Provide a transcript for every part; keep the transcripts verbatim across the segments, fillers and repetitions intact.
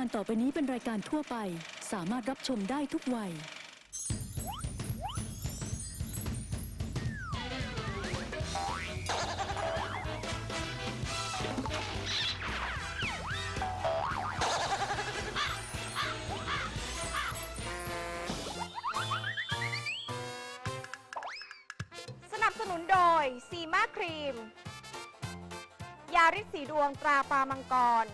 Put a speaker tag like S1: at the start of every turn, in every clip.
S1: การต่อไปนี้เป็นรายการทั่วไป สามารถรับชมได้ทุกวัย
S2: สนับสนุนโดยซีมาครีมยาฤทธิ์สีดวงตราปลามังกร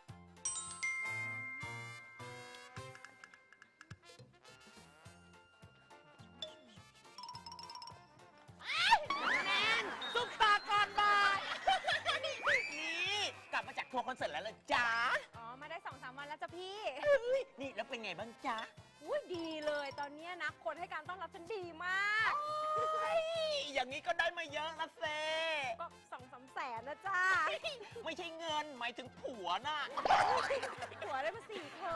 S3: ซุปตาก่อนบ่ายนี่กลับมาจากทัวร์คอนเสิร์ตแล้วเหรอจ๊ะ
S2: อ๋อมาได้ สองสาม วันแล้วจ้ะพี่
S3: นี่แล้วเป็นไงบ้างจ๊ะ
S2: อุ้ยดีเลยตอนนี้นะคนให้การต้อนรับฉันดีมาก
S3: อย่างนี้ก็ได้มาเยอะละเซ
S2: ก็สองสามแสนนะจ้า
S3: ไม่ใช่เงินหมายถึงผัวน่ะ
S2: หัวได้มาสี่เธอ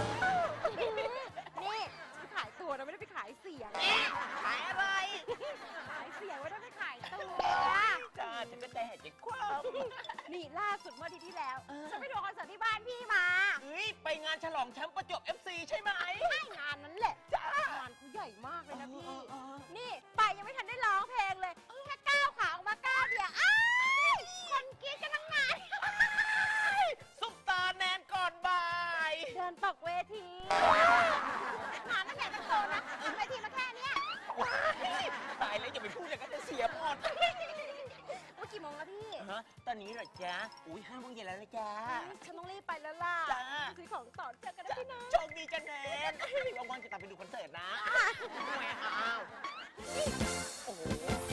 S2: นี่ฉันขายตัวนะไม่ได้ไปขายเสียง
S3: ขายอะไร
S2: ขายเสียงไม่ได้ไปขายตัว
S3: จ้าฉันก็ใจหายใจคว่
S2: นี่ล่าสุดเมื่ออาทิตย์ที่แล้วฉันไปดูคอนเสิร์ตที่บ้านพี่มา
S3: ำเฮ้ยไปงานฉลองแชมป์ประจวบ เอฟ ซี ใช่ไหม
S2: ใช่งานนั้นแหละ
S3: จ้าง
S2: านเขาใหญ่มากเลยนะพี่
S3: เออเออเออ
S2: นี่ไปยังไม่ทันได้ร้องเพลงเลยแค่ก้าวขาออกมาก้าวเดียวอ้ายคนกรี๊ดกันทั้งงาน
S3: ซุปตาแนนก่อนบ่าย
S2: เดินตกเวทีงานตั้งใหญ่ตั้งโตนะเวทีมาแค่เนี้ย
S3: ว้ายตายแล้วอย่าไปพูดอย่างนั้นจะเสียหมด
S2: เมื่อกี่โมงแล้วพี่
S3: ฮะตอนนี้เหรอจ๊ะอุ้ยห้าโมงเย็นแล้วนะจ๊ะ
S2: ฉันต้องรีบไปแล้วล่ะ
S3: จ้า
S2: ซื้อของต่อเจอกันนะพี่นะ
S3: โชคดีจ้ะแนนว่างๆจะตามไปดูคอนเสิร์ตนะแหมอ้าวโอ้โห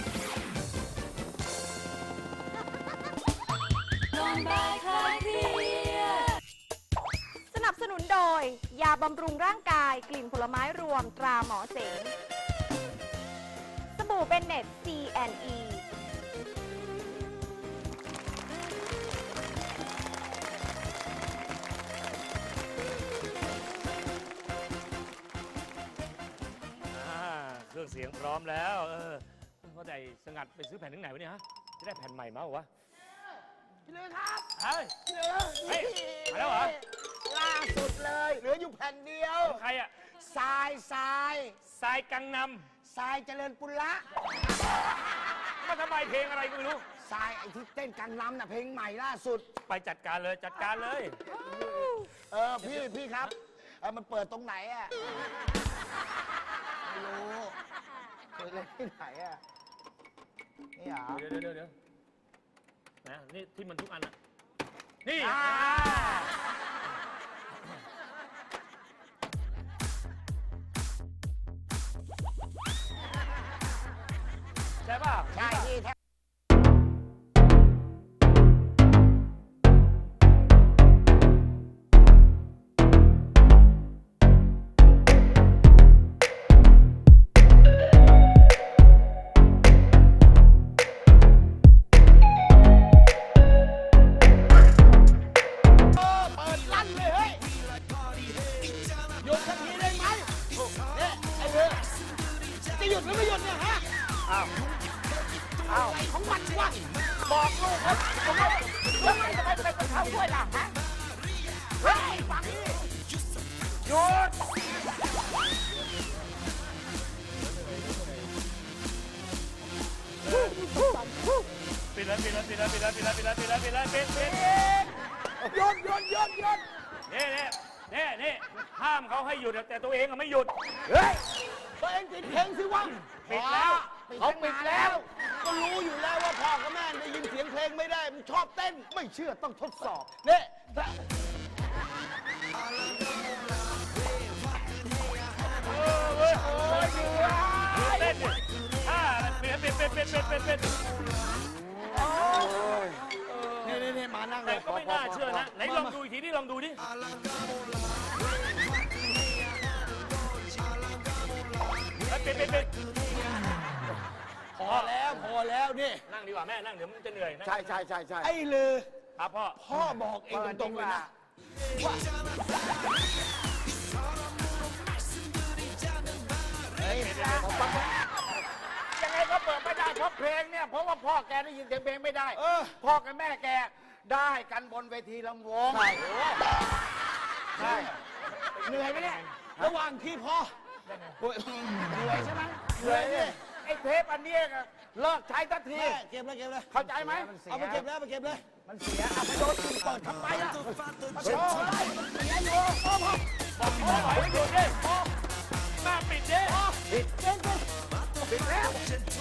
S2: สนับสนุนโดยยาบำรุงร่างกายกลิ่นผลไม้รวมตราหมอเสงสบู่เบนเน็ต ซี แอนด์ อี
S4: อ่าเครื่องเสียงพร้อมแล้วเออว่าแต่สงัดไปซื้อแผ่นถึงไหนวะเนี่ยฮะจะได้แผ่นใหม่มาเหรอวะ
S5: พี่เลยครับ
S4: เฮ้ย
S5: พี่เลย
S4: เฮ้ยมาแล้วเหรอ
S5: ล่าสุดเลย เหลืออยู่แผ่นเดียว
S4: ใครอะ
S5: ทรายทราย
S4: ทรายกังน
S5: ทรายเจริญปุระ
S4: ำมาทำไมเพลงอะไรก็ไม่รู้
S5: ทรายไอ้ที่เต้นกังนำน่ะเพลงใหม่ล่าสุด
S4: ไปจัดการเลยจัดการเลย
S5: เออพี่พี่ครับเออมันเปิดตรงไหนอ่ะไม่รู้เคยเล่นที่ไหนอ่ะนี่เหรอ
S4: เดี๋ยวเดี๋ยวเดี๋ยวนะนี่ที่มันทุกอันอะนี่
S5: อ่า
S4: ใช่ป่ะ
S5: ใช่พี่แท้เปิดลั่นเลยเฮ้ยหยุดสักทีได้ไหมเนี่ยไอ้เรือจะหยุดหรือไม่หยุดเนี่ยฮะ
S4: อ้าว
S5: อ้าวของมันวะบอกลูกครับผมว่าแล้วมันจะไปเป็นคนทำด้วยล่ะฮะเฮ้ยฟังนี่หยุด
S4: ปิดเลยปิดเลยปิดเลยปิดเลยปิดเลยปิดเลยปิดเลยปิดเลยปิดปิด
S5: หยุดหยุดหยุดหยุด
S4: นี่นี่นี่นี่ห้ามเขาให้หยุดแต่ตัวเองอะไม่หยุด
S5: เฮ้ยตัวเองปิดเพลงสิวะ
S4: ปิดแล้ว
S5: เขาปิดแล้ว ก็รู้อยู่แล้วว่าพ่อกับแม่ได้ยินเสียงเพลงไม่ได้ มันชอบเต้น ไม่เชื่อต้องทดสอบเนี่ยถ้า
S4: เออเว้ยโอ้ยดูเต้นดิอ่าปิดปิดปิดปิดปิดปิดปิด
S5: นี่นี่นี่มานั่งเล
S4: แต่
S5: ย
S4: ก็ไม่น่าเชื่อนะไหนลองดูอีกทีนี่ลองดูดิปิดปิดปิด
S5: พอแล้วพอแล้วนี่
S4: นั่งดีกว่าแม่นั่งเดี๋ยวมันจะเหนื่อยนะ
S5: ใช่ใช่ใช่ใช่ไอ้ลือ
S4: ครับพ่อ
S5: พ่อบอกเองตรงๆเลยนะว่าเฮ้ย
S6: ยังไงก็เปิดไม่ได้เพราะเพลงเนี่ยเพราะว่าพ่อแกได้ยินเสียงเพลงไม่ได้
S5: เออ
S6: พ่อกับแม่แกได้กันบนเวทีลำวง
S5: ใช่
S6: ใช่เหนื่อยไหมเนี่ย
S3: ระหว่างที่พ่อโอ้ย
S6: เหนื่อยใช่ไหมเหนื่อยเนี่ยไอ้เทปอันเนี้ยน่ะเลิกใช้สักที
S3: แม่เก็บเลยเก็บเลย
S6: เข้าใจไหม
S3: เอาไปเก็บแล้วไปเก็บเลย
S6: มันเสียเอาไปโดนกินเปิดทำไมล่ะโอ้ยมันเสียอยู่พ่อพ่อ
S4: บอกพ่อหน่อยให้หยุดดิแม่ปิดดิ
S6: ปิดเองก็ปิดแล้ว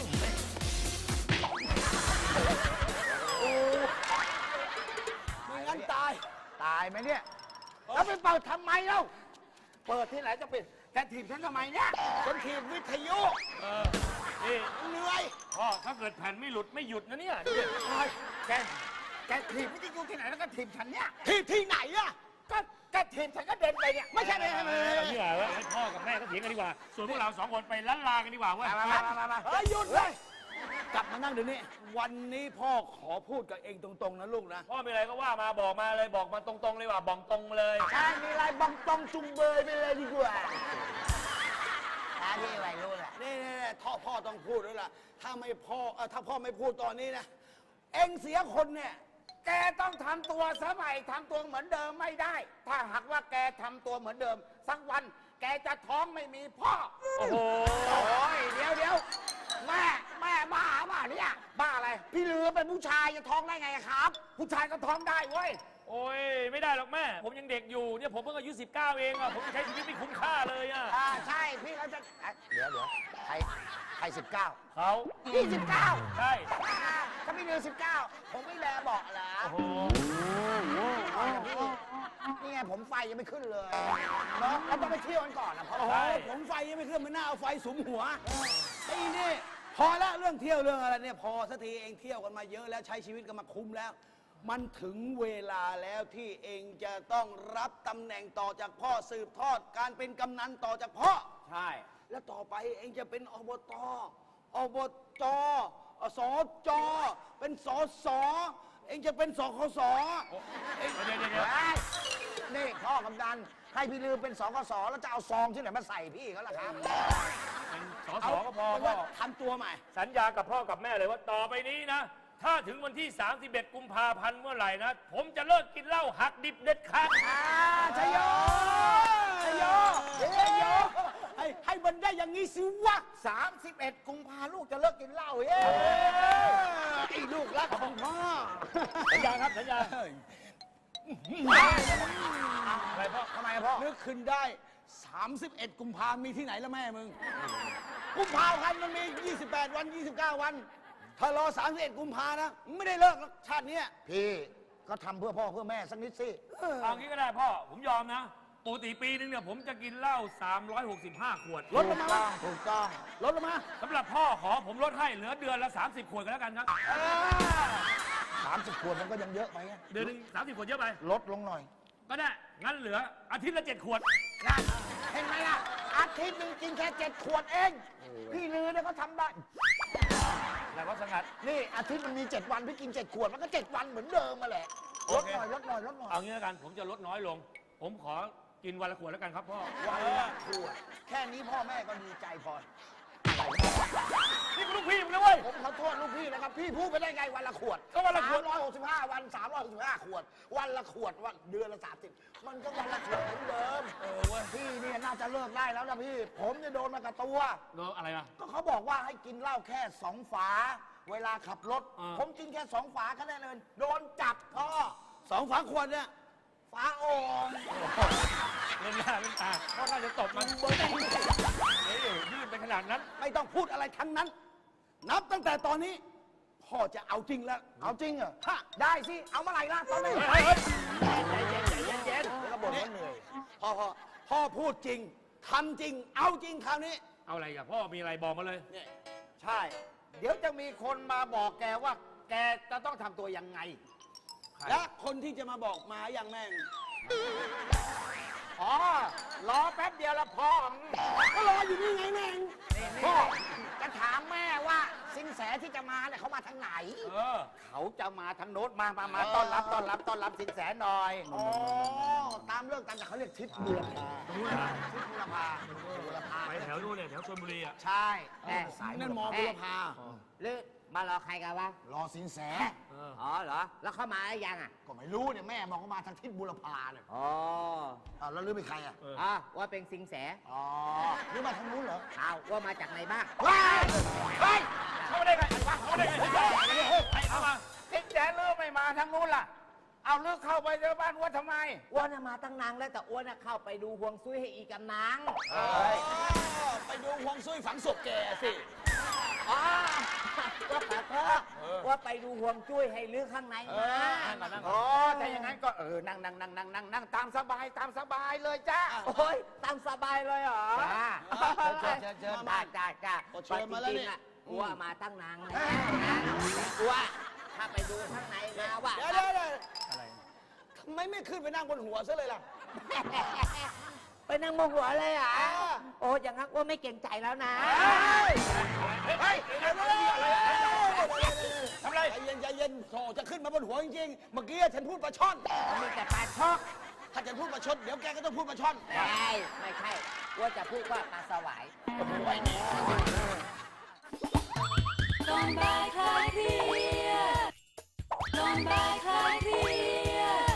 S6: โอ้
S3: ไม่งั้นตาย
S6: ตายไหมเนี่ยแล้วไปเปิดทำไมเล่าเปิดที่ไหนจะปิดแกถีบฉันทำไมเนี่ย
S3: คนทีมวิทยุ
S4: เออนี่
S3: เหนื่อย
S4: พ่อถ้าเกิดแผ่นไม่หลุดไม่หยุดนะเนี่ยดูดิ
S6: โอ้ยแกแกถีบไม่ได้อยู่ที่ไหนแล้วก็ถีบฉันเนี่ย
S3: ที่ที่ไหนอะ
S6: ก็แกถีบฉันก็เดินไปเนี่ยไม่ใช่ไม่ใช่ไม่ใช่
S4: เอาเนี่ยเหรอให้พ่อกับแม่ก็เถียงกันดีกว่า ส่วนพวกเราสองคนไปล้านลากันดีกว่าเว้ย
S6: มามามามามา
S3: เฮ้ยหยุดเลย กลับมานั่งเดี๋ยวนี้ วันนี้พ่อขอพูดกับเองตรงๆนะลูกนะ
S4: พ่อมีอะไรก็ว่ามาบอกมาเลยบอกมาตรงๆเลยว่าบอกตรงเลย
S3: ใช่มีอะไรบังตองจุงเบยไปเลยดีกว่า
S6: ตาที่วัยรุ่นแหละ
S3: นี่นี่ท่อพ่อต้องพูดด้วยล่ะ ถ้าไม่พ่อเออถ้าพ่อไม่พูดตอนนี้นะ เองเสียคนเนี่ย
S6: แกต้องทำตัวสมัยทำตัวเหมือนเดิมไม่ได้ ถ้าหากว่าแกทำตัวเหมือนเดิม สักวันแกจะท้องไม่มีพ่อ
S4: โอ้โห
S6: โอ้ยเดี๋ยวเดี๋ยวแม่แม่บ้าบ้าเนี่ยบ้าอะไร พี่ลือเป็นผู้ชายจะท้องได้ไงครับ ผู้ชายก็ท้องได้เว้ย
S4: โอ้ยไม่ได้หรอกแม่ ผมยังเด็กอยู่เนี่ยผมเพิ่งอายุสิบเก้าเองอะผมจะใช้ชีวิตไม่คุ้มค่าเลยอะ
S6: อ่าใช่พี่เขาจะเอ๊ะเดี๋ยวเดี๋ยวใครใครสิบเก้า
S4: เขา
S6: พี่สิบเก้า
S4: ใช่
S6: ถ้าพี่ลือสิบเก้าผมไม่แลบอกเหรอ
S4: โอ้โห
S6: อ๋อพี่นี่ไงผมไฟยังไม่ขึ้นเลยเนาะเราต้องไปเที่ยวกันก่อนนะพ่อ
S3: โอ้โหผมไฟยังไม่ขึ้นมันน่าเอาไฟสุมหัวไอ้นี่ พอละเรื่องเที่ยวเรื่องอะไรเนี่ยพอสักทีเองเที่ยวกันมาเยอะแล้วใช้ชีวิตกันมาคุ้มแล้ว มันถึงเวลาแล้วที่เองจะต้องรับตำแหน่งต่อจากพ่อสืบทอด การเป็นกำนันต่อจากพ่อ
S6: ใช่
S3: แล้วต่อไปเองจะเป็นอบตอบจสจเป็นสสเองจะเป็นสคสเอง
S4: เดี๋ยวเดี๋ยวเดี๋ยว
S6: เฮ้ยนี่พ่อกำนันให้พี่ลือเป็นสกสแล้วจะเอาซองที่ไหนมาใส่พี่เขาล่ะครับ
S4: เป็นสอสอก็พอ
S3: เป็น
S4: พ่อ
S3: ว่าทำตัวใหม่
S4: สัญญากับพ่อกับแม่เลยว่าต่อไปนี้นะ ถ้าถึงวันที่สามสิบเอ็ดกุมภาพันธ์เมื่อไหร่นะ ผมจะเลิกกินเหล้าหักดิบเด็ดขาด
S6: อ่าชัยโยชัยโยชัยโย
S3: ให้ให้มันได้อย่างนี้สิวะ
S6: สามสิบเอ็ดกุมภาลูกจะเลิกกินเหล้าเย้
S3: ไอ้ลูกรักของพ่อ
S4: สัญญาครับสัญญาอะไรพ่อ
S6: ทำไมอะพ่อ
S3: นึกขึ้นได้ สามสิบเอ็ด กุมภามีที่ไหนแล้วแม่มึง กุมภาพันธ์มันมี ยี่สิบแปด วัน ยี่สิบเก้า วัน ถ้ารอ สามสิบเอ็ด กุมภานะ ไม่ได้เลิกหรอกชาติเนี้ย
S6: พี่ก็ทำเพื่อพ่อเพื่อแม่สักนิดสิ
S4: เอางี้ก็ได้พ่อ ผมยอมนะปกติปีนึงเนี่ยผมจะกินเหล้าสามร้อยหกสิบห้าขวด
S3: ลดลงมา
S6: ถูกต้อง
S3: ลดลงมา
S4: สำหรับพ่อขอผมลดให้เหลือเดือนละสามสิบขวดกันแล้วกันครับ
S6: สามสิบขวดมันก็ยังเยอะไปไง
S4: เดือนหนึงสามสิบขวดเยอะไป
S6: ลดลงหน่อย
S4: ก็ได้ งั้นเหลืออาทิตย์ละเจ็ดขวด
S6: นะเห็นไหมล่ะ อาทิตย์หนึงกินแค่เจ็ดขวดเอง พี่ลือเนี่ยเขาทำได้
S4: แล้วก็สงัด
S6: นี่อาทิตย์มันมีเจ็ดวัน พี่กินเจ็ดขวด มันก็เจ็ดวันเหมือนเดิมมาแหละ
S4: โอ
S6: ลด
S4: เค
S6: หน่อยลดหน่อยลดหน่อย
S4: เอางี้แล้วกัน ผมจะลดน้อยลง ผมขอกินวันละขวดแล้วกันครับพ่อ
S6: วันละขวด แค่นี้พ่อแม่ก็ดีใจพอ
S4: นี่คุณลูกพี่มึงนะเว้ย
S6: ผมขอโทษลูกพี่นะครับ พี่พูดไปได้ไงวันละขวด
S4: ก็วันละขวด
S6: สามร้อยหกสิบห้าวันสามร้อยหกสิบห้าขวด วันละขวดวันเดือนละสามสิบมันก็วันละขวดเหมือนเดิม
S4: เออเว้ย
S6: พี่เนี่ยน่าจะเลิกได้แล้วนะพี่ ผมเนี่ยโดนมากับตัว
S4: โดนอะไรมา
S6: ก็เขาบอกว่าให้กินเหล้าแค่สองฝา เวลาขับรถ
S4: อ่า
S6: ผมกินแค่สองฝาแค่นั้นเลยโดนจับพ่อ
S3: สองฝาขวดเนี่ย
S6: ฝาโอ่ง
S4: เล่นหน้าเล่นตาพ่อน่าจะตบมันเบอร์ได้เฮ้ยยืดไปขนาดนั้น
S3: ไม่ต้องพูดอะไรทั้งนั้น นับตั้งแต่ตอนนี้ พ่อจะเอาจริงแล้ว
S6: เอาจริงเหรอ
S3: ฮะ
S6: ได้สิ เอาเมื่อไหร่ล่ะตอนนี้
S4: เฮ้ยเฮ้ย
S6: ใจเย็นใจเย็นใจเย็นแล้วก็บ่นว่าเหนื่อย
S3: พ่อพ่อพ่อพูดจริงทำจริง เอาจริงคราวนี้
S4: เอาอะไรกับพ่อมีอะไรบอกมาเลย
S3: เนี่ย
S6: ใช่ เดี๋ยวจะมีคนมาบอกแกว่า แกจะต้องทำตัวยังไง
S3: และคนที่จะมาบอกมาอย่างแม่ง
S6: อ๋อ รอแป๊บเดียวละพ่อ
S3: ก็รออยู่นี่ไงแม่ง
S6: นี่นี่จะถามแม่ว่าสินแสที่จะมาเนี่ยเขามาทางไหน
S4: เออ
S6: เขาจะมาทางโน้นมามามาต้อนรับต้อนรับต้อนรับสินแสหน่อย อ๋อ ตามเรื่องตามแต่เขาเรียกทิศบุรพา
S4: รู้นะ
S6: ทิศบุรพาบุรพา
S4: ไปแถวนู้นเนี่ยแถวชลบุรีอ่ะ
S6: ใช่แน่สาย
S3: นั่นมอบุรพา
S6: หรือ
S5: มารอใครกันวะ
S6: รอสินแส
S5: อ๋อเหรอ แล้วเข้ามาหรือยังอ่ะ
S6: ก็ไม่รู้เนี่ยแม่บอกว่ามาทางทิศบุรพาเนี่ย
S5: อ๋อ
S6: อ้าวแล้วลือเป็นใครอ่ะ
S5: อ๋อว่าเป็นสิงแส
S6: อ๋อหรือมาทางนู้นเหรอ
S5: อ้าวว่ามาจากไหนบ้าง
S6: ว้ายเฮ้ย
S4: เข้ามาได้ไงเข้ามาได้ไงใครเข้ามา
S6: สินแสลือไม่มาทางนู้นล่ะ เอาลือเข้าไปในบ้านวัดทำไม
S5: อ้วนน่ะมาตั้งนานแล้วแต่อ้วนน่ะเข้าไปดูห่วงซุยให้อีกำนัง
S3: ไปดูฮวงซุยฝังศพแกสิ
S5: อ๋อว่าขอโทษว่าไปดูห่วงจุ้ยให้ลือข้างในมา
S6: อ๋อถ้าอย่างนั้นก็เออ นั่งนั่งนั่งนั่งนั่งนั่งตามสบายตามสบายเลยจ้า
S5: โอ้ยตามสบายเลยเหรอ
S6: จ้า
S3: เชิญเชิญเชิญ
S5: จ้าจ้าจ้า
S3: โอ้เชิญมาแล้วเนี่ย
S5: จริงๆอะอ้วมาตั้งนานแล้วนะแต่อ้วถ้าไปดูข้างในมาว่า
S3: เดี๋ยวเดี๋ยวเดี๋ยวทำไมไม่ขึ้นไปนั่งบนหัวซะเลยล่ะ
S5: ไปนั่งโมโหเลยเหรอโอ้อย่างนั้นอ้วไม่เก่งใจแล้วนะ
S3: เฮ้ย
S4: ทำไร
S3: ใจเย็นใจเย็นโถจะขึ้นมาบนหัวจริงๆ เมื่อกี้ฉันพูดปลาช่อน
S5: มีแต่ปลาชอก
S3: ถ้าฉันพูดปลาชดเดี๋ยวแกก็ต้องพูดปลาช่อน
S5: ไม่ไม่ใช่อ้วจะพูดว่าปลาสวาย
S1: ก่อนบ่ายคลายเครียดก่อนบ่ายคลายเครียด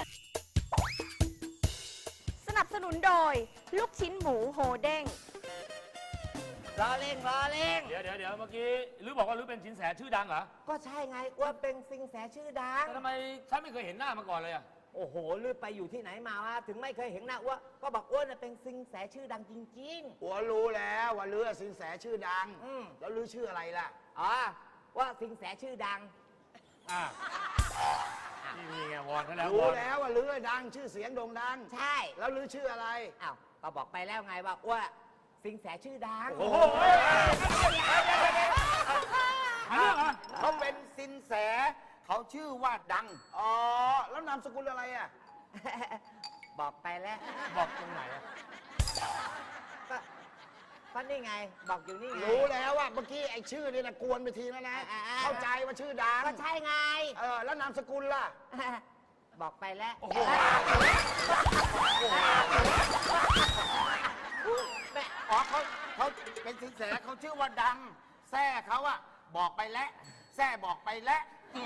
S2: สนับสนุนโดย ลูกชิ้นหมูโฮเด้ง
S5: รอเล่งรอเล่ง
S4: เดี๋ยวเดี๋ยวเดี๋ยวเมื่อกี้ลือบอกว่าลือเป็นสินแสชื่อดังเหรอ
S5: ก็ใช่ไงอ้วเป็นสิงแสชื่อดัง
S4: แต่ทำไมฉันไม่เคยเห็นหน้ามาก่อนเลยอ่ะ
S5: โอ้โหลือไปอยู่ที่ไหนมาวะถึงไม่เคยเห็นหน้าอ้วก็บอกอ้วนน่ะเป็นสิงแสชื่อดังจริง
S6: หัวรู้แล้วว่าลือสินแสชื่อดัง
S5: อืม
S6: แล้วลือชื่ออะไรล่ะ
S5: ๆอ๋อว่าสิงแสชื่อดัง
S4: อ่านี่มีไงวอนเขาแล้วว
S6: รู้
S4: อน
S6: แล้วว่าลือดังชื่อเสียงโด่งดัง
S5: ใช่
S6: แล้วลือชื่ออะไร
S5: อ้าวก็บอกไปแล้วไงว่าอ้วสิงแสชื่อดัง
S4: โอ้โหหาเรื่องเหรอ
S6: เขาเป็นสินแส เขาชื่อว่าดัง อ๋อ แล้วนามสกุลอะไรอ่ะ
S5: บอกไปแล้ว
S4: บอกตรงไหนอ่ะ
S5: ก็ก็นี่ไง บอกอยู่นี่ไง
S6: รู้แล้วว่าเมื่อกี้ไอ้ชื่อนี่นะกวนไปทีแล้วนะ
S5: อ่าๆ
S6: เข้าใจว่าชื่อดัง
S5: ก็ใช่ไง
S6: เออ แล้วนามสกุลล่ะ
S5: บอกไปแล้ว
S4: โอ้โห
S5: แม่
S6: อ๋อเขาเขาเป็นสินแสเขาชื่อว่าดัง แซ่เขาอะบอกไปแล้ว แซ่บอกไปแล้ว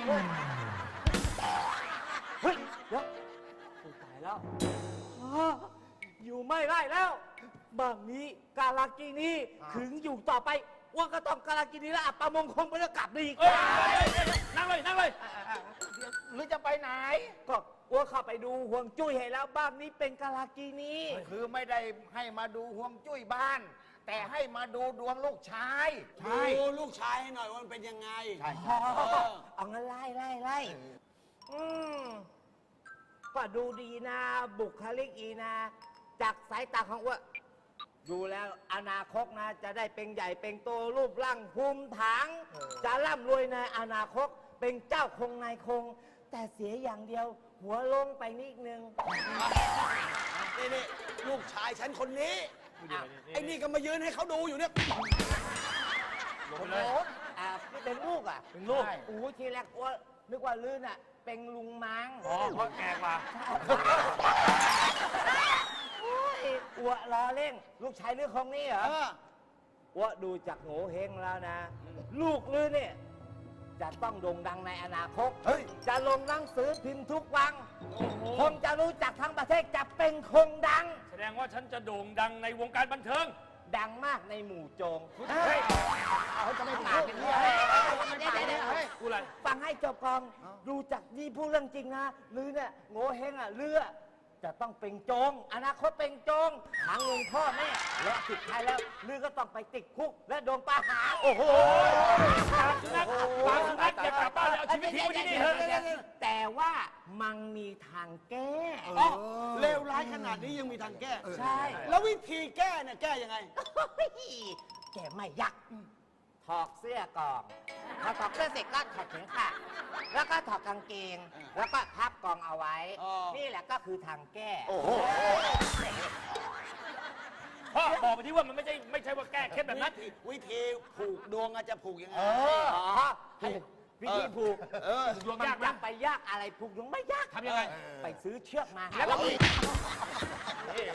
S5: เฮ้ยเดี๋ยวโอ้ตายแล้วอ้าอยู่ไม่ได้แล้วบางนี้กาลากินี
S6: อ่า
S5: ถึงอยู่ต่อไปว่าก็ต้องกาลากินีแล้วอับปามงคงไปแล้วกลับดีก
S4: เอ้ยนั่งเลยนั่งเลย
S6: หรือจะไปไหน
S5: ก็อ้วเข้าไปดูห่วงจุ้ยให้แล้วบ้านนี้เป็นกาลากินี
S6: คือไม่ได้ให้มาดูห่วงจุ้ยบ้าน แต่ให้มาดูดวงลูกชาย
S3: ดูลูกชายให้หน่อยว่ามันเป็นยังไง
S5: อ๋อเอางั้นไล่ไล่ไล่อืมก็ดูดีนะ บุคลิกอีนะ จากสายตาของอ้วดูแล้วอนาคตนะ จะได้เป็นใหญ่เป็นโตรูปร่างภูมิฐานจะร่ำรวยในอนาคตเป็นเจ้าคงนายคง แต่เสียอย่างเดียว หัวลงไปนิดนึง
S3: นี่นี่ลูกชายฉันคนนี้
S5: อ้าว
S3: ไอ้นี่ก็มายืนให้เขาดูอยู่เนี่ย
S4: ลงไปเลย
S5: อ่านี่เป็นลูกอ่ะ
S4: เป็นลูก
S5: โอ้โหทีแรกอ้วนึกว่าลื่นอ่ะ เป็นลุงมัง
S4: อ๋อเพราะแกกว่า
S5: โอ้ยอ้วล้อเล่ง ลูกชายลือคงนี่เหรอ
S3: เออ
S5: อ้วดูจากโง่เฮงแล้วนะ ลูกลือเนี่ย จะต้องโด่งดังในอนาคต
S3: เฮ้ย
S5: จะลงหนังสือพิมพ์ทุกวัน
S4: โอ้โห
S5: คนจะรู้จักทั้งประเทศจะเป็นคงดัง
S4: แสดงว่าฉันจะโด่งดังในวงการบันเทิง
S5: ดังมากในหมู่โจง
S6: เฮ้ยเขาจะไม่ปากเป็นเรื่อง
S5: เฮ้ย
S6: ไม่ปาก
S5: เดี๋ยวๆ
S6: เฮ้ย
S4: กูอะไร
S5: ฟังให้จบก่อนดูจากนี่พูดเรื่องจริงนะลือเนี่ยโง่เฮงอ่ะเลือจะต้องเป็นโจง อนาคตเป็นโจงหาเงินพ่อแม่และสุดท้ายแล้วลือก็ต้องไปติดคุกและโดนประหาร
S4: โอ้โหปากสุนัขปากสุนัขอย่ากลับบ้านเลยเอาชีวิตทิ้งไว้ที่นี่เถอะ
S5: แต่ว่ามันมีทางแก้
S3: อ๋อเลวร้ายขนาดนี้ยังมีทางแก้
S5: ใช่
S3: แล้ววิธีแก้เนี่ยแก้ยังไง
S5: แกไม่ยักถอดเสื้อก่อนพอถอดเสื้อเสร็จก็ถอดเข็มขัดแล้วก็ถอดกางเกง แล้วก็พับกองเอาไว้
S3: อ๋อ
S5: นี่แหละก็คือทางแก้
S6: โอ้โห
S4: พ่อบอกไปที่ว่ามันไม่ใช่ไม่ใช่ว่าแก้เคล็ดแบบนั้น
S3: วิธีผูกดวงอาจจะผูกยังไง
S5: อ๋อให้วิธีผูก
S3: เออ
S4: ดวง
S5: มัน
S4: ยาก
S5: จะ
S4: นะ
S5: ไปยากอะไรผูกยังไม่ยาก
S4: ทำยังไง
S5: ไปซื้อเชือกมา
S4: แล้วก็มีเฮ้ย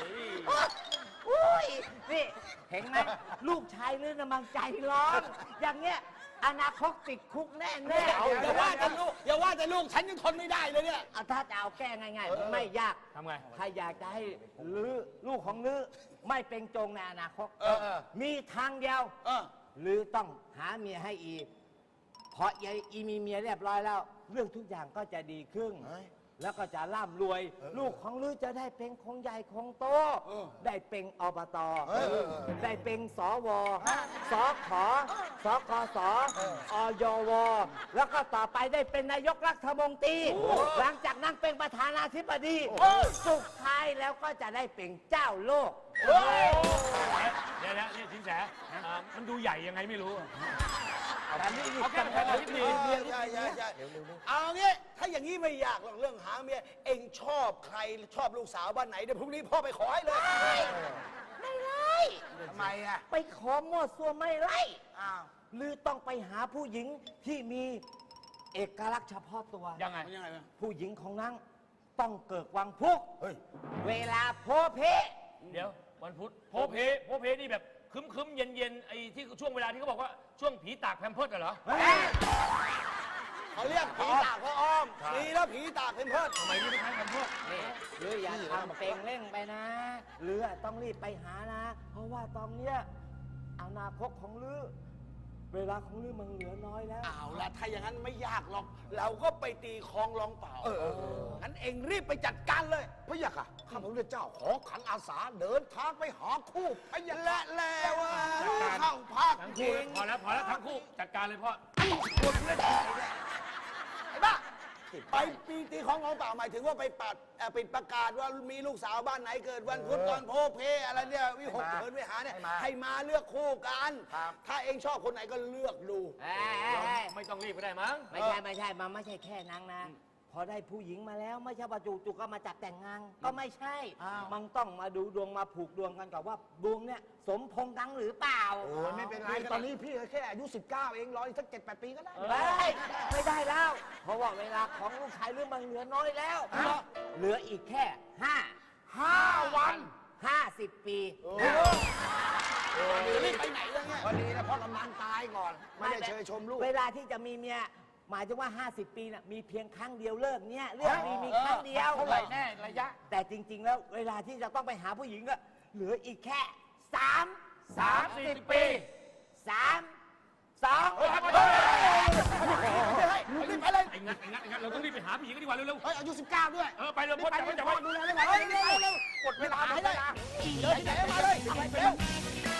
S5: อุ้ยนี่เห็นไหมลูกชายลื่นน่ะมันใจร้อน อย่างเงี้ยอนาคตติดคุกแน่แน่
S3: เอาอย่าว่าแต่ลูกอย่าว่าแต่ลูกฉันยังทนไม่ได้เลยเนี่ย
S5: ถ้าจะเอาแก้ง่ายๆ ไม่ยาก
S4: ทำไง
S5: ถ้าอยากจะให้ลือลูกของลือไม่เป็นโจงในอนาคต
S3: เออเออ
S5: มีทางเดียว
S3: เออ
S5: ลือต้องหาเมียให้อีเพราะยายอีมีเมียเรียบร้อยแล้ว เรื่องทุกอย่างก็จะดีขึ้น แล้วก็จะร่ำรวย ลูกของลือจะได้เป็นคงใหญ่คงโต
S3: เออ
S5: ได้เป็นอบต
S3: เออ
S5: ได้เป็นสวสขสกสอยว แล้วก็ต่อไปได้เป็นนายกรัฐมนตรี หลังจากนั้นเป็นประธานาธิบดี สุดท้ายแล้วก็จะได้เป็นเจ้าโลก
S4: เดี๋ยวนะเนี่ยสินแสอ่ามันดูใหญ่ยังไงไม่รู้อะ
S5: แต่นี่
S4: เอาแค่ประธานาธิบดี
S3: ใช่ใช่ใช่ใช่เอางี้ถ้าอย่างนี้ไม่ยากหรอกเรื่องหาเมียเองชอบใครชอบลูกสาวบ้านไหนเดี๋ยวพรุ่งนี้พ่อไปขอให้เลย
S5: ไม่ไล่
S3: ทำไมอ่ะ
S5: ไปขอมั่วซั่วไม่ไล่
S3: อ้าว
S5: หรือต้องไปหาผู้หญิงที่มีเอกลักษณ์เฉพาะตัว
S4: ยังไง
S3: มันยังไงวะ
S5: ผู้หญิงของนั้นต้องเกิดวังพุก
S3: เฮ้ย
S5: เวลาโพเพ
S4: เดี๋ยววันพุธโพเพโพเพนี่แบบคึมคึมๆเย็นเย็นๆไอ้ที่ช่วงเวลาที่เขาบอกว่าช่วงผีตากแพมเพิร์ดเหรอ
S3: เขาเรียกผีตากพระอ้อมผีแล้วผีตากเป็นเพิด
S4: ทำไมนี่ไม่ใช่แพมเพิร์ด
S5: นี่หรืออย่าทำเป็นเร่งไปนะหรือต้องรีบไปหานะ เพราะว่าตอนเนี้ยอนาคตของลือเวลาของลือมันเหลือน้อยแล้ว
S3: เอาละถ้าอย่างนั้นไม่ยากหรอก เราก็ไปตีคลองลองเปล่าเอองั้นเองรีบไปจัดการเลย
S6: พระยะค่ะข้าพระพุทธเจ้าขอขันอาสาเดินทางไปหาคู่พระยะ
S3: และแล้วว่าเข้าภาค
S4: ทั้ง
S3: จ
S4: คู่
S3: ริง
S4: พอแล้วพอแล้วทั้งคู่จัดการเลยพ่อ
S3: ไอ้บ้าไปปีตีของลองเปล่าหมายถึงว่าไปปัดเอ่อปิดประกาศว่ามีลูกสาวบ้านไหนเกิดวันพุธตอนโพเพอะไรเนี่ยวิหกเถินวิหารเนี่ยให้มาเลือกคู่กัน ถ้าเองชอบคนไหนก็เลือกดู
S5: เอ้ยเอ้ยเอ้ย
S4: ไม่ต้องรีบก็ได้มั้ง
S5: ไม่ใช่ไม่ใช่ มันไม่ใช่แค่นั้นนะ พอได้ผู้หญิงมาแล้วไม่ใช่ว่าจู่ๆก็มาจับแต่งงานก็ไม่ใช่ มันต้องมาดูดวงมาผูกดวงกันกับว่าดวงเนี่ยสมพงษ์กันหรือเปล่า
S6: โอ้ยไม่เป็นไร ตอนนี้พี่แค่อายุสิบเก้าเองรออีกสักเจ็ดแปดปีก็ได้
S5: ไม่ไม่ได้แล้ว เพราะว่าเวลาของลูกชายเรื่องมันเหลือน้อยแล้ว เหลืออีกแค่ห้า
S6: ห้าวัน
S5: ห้าสิบปี
S3: รีบไปไหนแล้วเนี่ย
S6: พอดีนะพ่อกำนันตายก่อน ไม่ได้เชยชมลูก
S5: เวลาที่จะมีเมียหมายถึงว่า ห้าสิบ ปีน่ะมีเพียงครั้งเดียวเลิกเนี่ยเรื่องมีมีครั้งเดียว
S6: เท่าไหร่แน่ระยะ
S5: แต่จริง ๆ แล้วเวลาที่จะต้องไปหาผู้หญิงก็เหลืออีกแค่สาม
S4: สามสิบปี
S5: สามสอง
S3: รีบไปเลย
S4: ไอ้งัดไอ้งัดไอ้งัดเราต้องรีบไปหาผู้หญิงกันดีกว่าเร็ว
S6: เฮ้ย อายุสิบเก้าด้วย
S4: ๆเออไปเร็วพ่อจับไว้จับไว้
S6: ดูแลได้ไหมเร็วๆกดเวลา
S3: ไป
S6: ไม่
S3: เล
S6: ได้
S3: ยเดินที่ไหนมาเลยเร็ว